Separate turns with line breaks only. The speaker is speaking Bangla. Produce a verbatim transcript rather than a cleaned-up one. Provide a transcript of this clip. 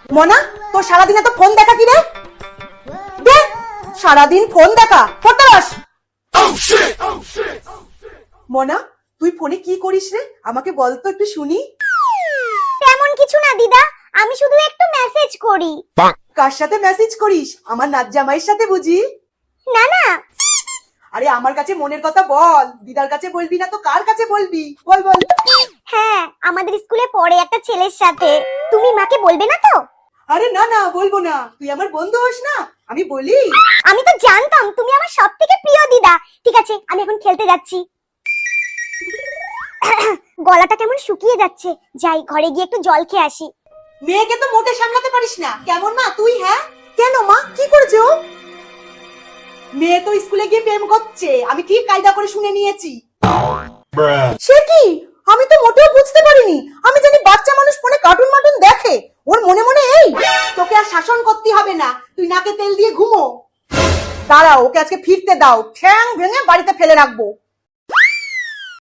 মনা, তোর সারাদিন এত ফোন দেখা কি রে? দে, সারাদিন ফোন দেখা পড়তে বস। মনা, তুই ফোনে কি করিস রে? আমাকে বল তো একটু শুনি।
তেমন কিছু না দিদা, আমি শুধু একটু মেসেজ করি।
কার সাথে মেসেজ করিস? আমার নাচ জামাইয়ের সাথে বুঝি?
না না,
আরে আমার কাছে মনের কথা বল, দিদার কাছে বলবি না তো কার কাছে বলবি? বল বল।
হ্যাঁ, আমাদের স্কুলে পড়ে একটা ছেলের সাথে। তুমি মাকে বলবে না তো?
আরে না না, বলবো না। তুই আমার বন্ধু হোস না, আমি বলি।
আমি তো জানতাম তুমি আমার সবথেকে প্রিয় দিদা। ঠিক আছে, আমি এখন খেলতে যাচ্ছি। গলাটা কেমন শুকিয়ে যাচ্ছে, যাই ঘরে গিয়ে একটু জল খেয়ে আসি।
মেয়েকে তো মোটে সামলাতে পারিস না, কেমন মা তুই? হ্যাঁ কেন মা, কি করেছে ও? মেয়ে তো স্কুলে গিয়ে প্রেম করছে, আমি ঠিক কায়দা করে শুনে নিয়েছি। সে কি? আমি তো মোটেও বুঝতে পারিনি। আমি জানি বাচ্চা মানুষ ফোনে কার্টুন মার্টুন দেখে, ওর মনে মনে এই। তোকে আর শাসন করতে হবে না, তুই নাকে তেল দিয়ে ঘুমো। দাঁড়াও, ওকে আজকে ফিরতে দাও, ঠ্যাং ভেঙে বাড়িতে ফেলে রাখবো।